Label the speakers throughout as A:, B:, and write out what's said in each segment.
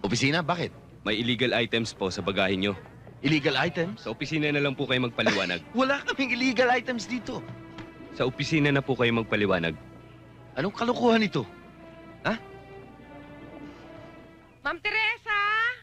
A: Opisina? Bakit?
B: May illegal items po sa bagahe nyo.
A: Illegal items?
B: Sa opisina na lang po kayo magpaliwanag.
A: Wala kaming illegal items dito.
B: Sa opisina na po kayo magpaliwanag.
A: Anong kalokohan ito?
C: Ma'am Teresa?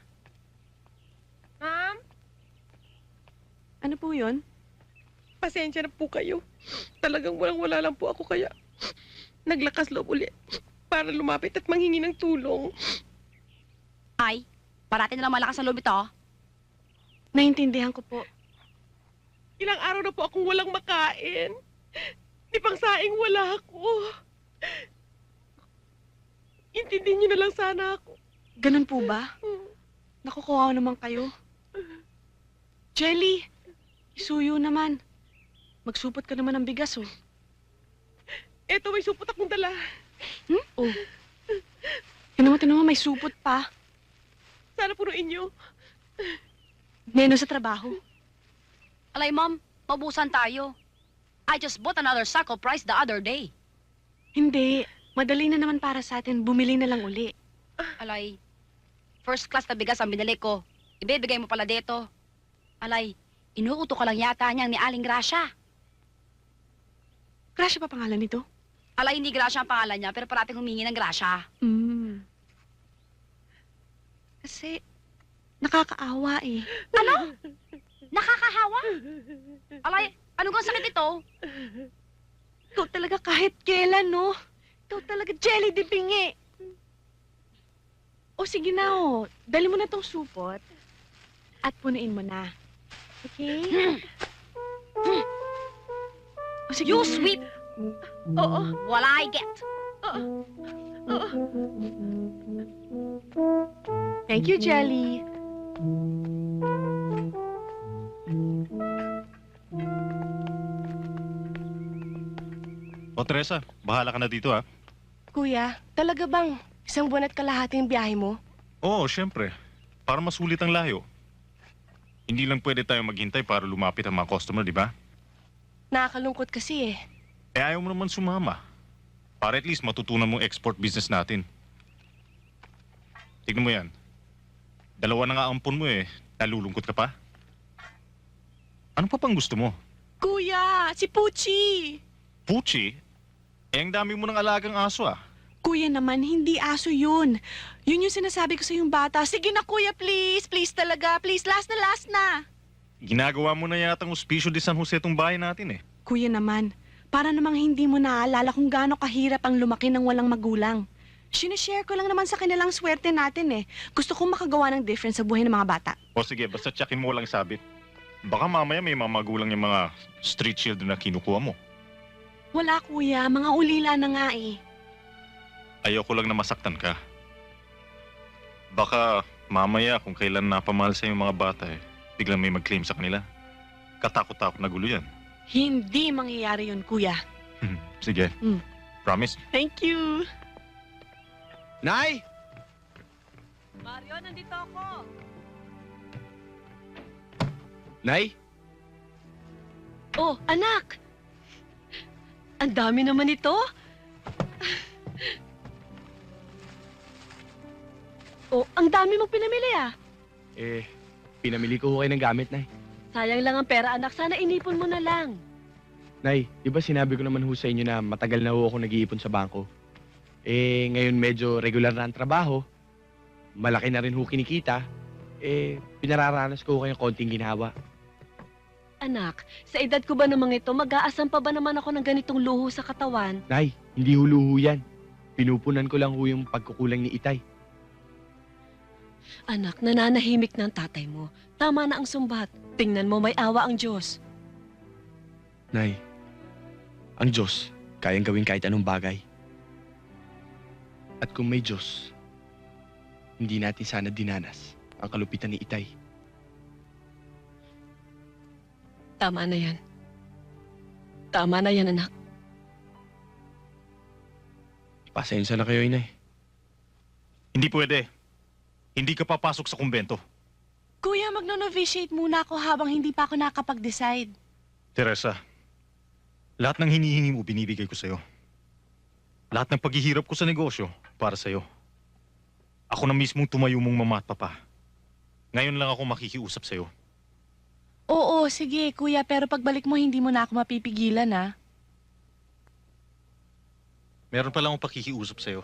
C: Ma'am?
D: Ano po yun?
C: Pasensya na po kayo. Talagang walang-wala lang po ako kaya naglakas loob ulit para lumapit at manghingi ng tulong.
E: Ay, parati na lang malakas ang loob ito.
D: Naintindihan ko po.
C: Ilang araw na po akong walang makain. Di pang saing wala ako. Intindihin niyo na lang sana ako.
D: Ganun po ba? Nakukuha naman kayo. Jelly, isuyo naman. Magsupot ka naman ng bigas, oh.
C: Eto, may supot akong dala.
D: Oh. Tinan mo, may supot pa.
C: Sana punuin niyo.
D: Neno sa trabaho.
E: Alay, ma'am, mabusan tayo. I just bought another sack of rice the other day.
D: Hindi. Madali na naman para sa atin. Bumili na lang uli.
E: Alay, first class na bigas ang binili ko. Ibibigay mo pala dito. Alay, inuuto ka lang yata niyang ni Aling Gracia.
D: Gracia pa pangalan nito?
E: Alay, hindi Gracia ang pangalan niya, pero parating humingi ng Gracia.
D: Kasi, nakakaawa eh.
E: Ano? Nakakahawa? Alay, ano kang sakit ito?
D: Ikaw talaga kahit kailan, no? Ikaw talaga jelly di bingi. O sige na, oh. Dali mo na tong supot at punuin mo na. Okay? O sige
E: You
D: na.
E: sweep,
C: Oo.
E: while I get.
C: Oo.
D: Thank you, Jelly.
F: O Teresa, bahala ka na dito ha.
G: Kuya, talaga bang isang buwan at kalahating biyahe mo?
F: Oo, syempre. Para masulit ang layo. Hindi lang pwede tayo maghintay para lumapit ang mga customer, di ba?
G: Nakakalungkot kasi eh.
F: Eh ayaw mo naman sumama. Para at least matutunan mo export business natin. Tignan mo yan. Dalawa na nga ampon mo eh. Nalulungkot ka pa? Ano pa pang gusto mo?
D: Kuya, si Puchi.
F: Puchi? Eh ang dami mo ng alagang aso ah.
D: Kuya naman, hindi aso yun. Yun yung sinasabi ko sa yung bata. Sige na, kuya, please. Please talaga. Please, last na.
F: Ginagawa mo na yatang Hospicio de San Jose tong bahay natin eh.
D: Kuya naman, para namang hindi mo naaalala kung gaano kahirap ang lumaki ng walang magulang. Sinishare ko lang naman sa kanilang swerte natin eh. Gusto kong makagawa ng difference sa buhay ng mga bata.
F: O sige, basta tsakin mo lang sabit. Baka mamaya may mga magulang yung mga street children na kinukuha mo.
D: Wala, kuya. Mga ulila na nga eh.
F: Ayoko lang na masaktan ka. Baka mamaya kung kailan napamahal sa yung mga bata eh, biglang may mag-claim sa kanila. Katakot-takot na gulo yan.
D: Hindi mangyayari yun, kuya.
F: Sige. Promise?
D: Thank you.
A: Nay!
D: Mario, nandito ako.
A: Nay?
G: Oh, anak! Ang dami naman ito. Oh, ang dami mong pinamili ah.
B: Pinamili ko kayo ng gamit, Nay.
G: Sayang lang ang pera anak, sana inipon mo na lang.
B: Nay, di ba sinabi ko naman ho sa inyo na matagal na ho ako nag-iipon sa bangko? Ngayon medyo regular na ang trabaho. Malaki na rin ho kinikita. Pinararanas ko kayong konting ginhawa.
G: Anak, sa edad ko ba namang ito, mag-aasam pa ba naman ako ng ganitong luho sa katawan?
B: Nay, hindi huluho yan. Pinupunan ko lang ho yung pagkukulang ni Itay.
G: Anak, nananahimik na ang tatay mo. Tama na ang sumbat. Tingnan mo, may awa ang Diyos.
B: Nay, ang Diyos, kayang gawin kahit anong bagay. At kung may Diyos, hindi natin sana dinanas ang kalupitan ni Itay.
G: Tama na yan. Tama na yan, anak.
B: Pasensya na kayo, Inay.
F: Hindi pwede. Hindi ka papasok sa kumbento.
D: Kuya, magno-novitiate muna ako habang hindi pa ako nakapag-decide.
F: Teresa, lahat ng hinihingi mo binibigay ko sa'yo. Lahat ng paghihirap ko sa negosyo para sa'yo. Ako na mismong tumayo mong mama at papa. Ngayon lang ako makikiusap sa'yo.
D: Oo, sige, kuya, pero pagbalik mo, hindi mo na ako mapipigilan, ah.
F: Meron pa lang akong pakikiusap sa'yo.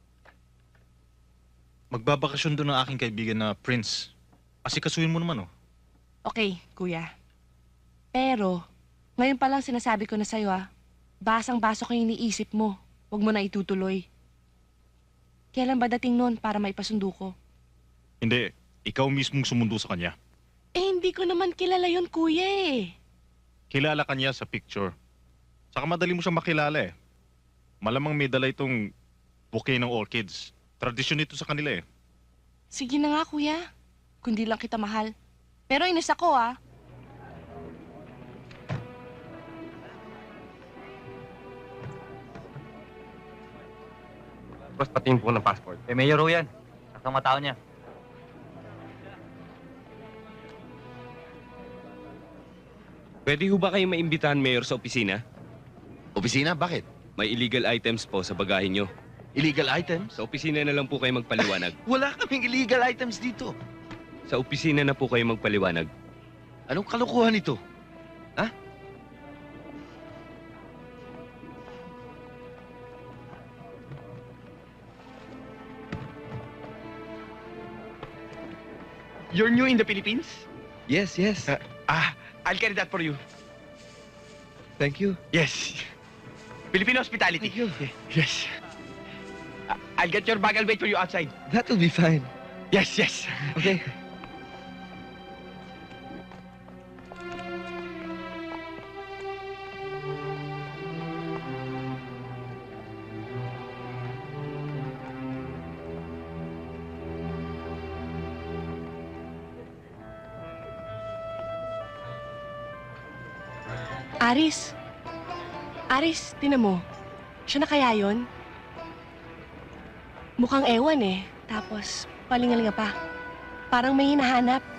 F: Magbabakasyon doon ang aking kaibigan na Prince. Asikasuhin mo naman, oh.
D: Okay, kuya. Pero, ngayon pa lang sinasabi ko na sa'yo, ah. Basang-baso ko yung iniisip mo. Huwag mo na itutuloy. Kailan ba dating nun para maipasundo ko?
F: Hindi, ikaw mismong sumundo sa kanya.
D: Eh, hindi ko naman kilala yon kuya, eh.
F: Kilala ka niya sa picture. Saka madali mo siyang makilala, eh. Malamang may dala itong bouquet ng orchids. Tradisyon ito sa kanila, eh.
D: Sige na nga, kuya. Kundi lang kita mahal. Pero inis ako, ah.
H: Tapos patingin po ng passport. Eh, mayor ho yan. At ang matao niya.
I: Pwede ho ba kayong maimbitahan, Mayor, sa opisina?
A: Opisina? Bakit?
I: May illegal items po sa bagahe nyo.
A: Illegal items?
I: Sa opisina na lang po kayo magpaliwanag.
A: Wala kaming illegal items dito.
I: Sa opisina na po kayo magpaliwanag.
A: Anong kalokohan ito?
B: You're new in the Philippines?
A: Yes, yes.
B: I'll carry that for you.
A: Thank you.
B: Yes. Filipino hospitality.
A: Thank you.
B: Yes. I'll get your bag. I'll wait for you outside.
A: That will be fine.
B: Yes, yes.
A: Okay.
D: Aris. Aris, tinan mo. Siya na kaya yon? Mukhang ewan eh. Tapos, palingalinga pa. Parang may hinahanap.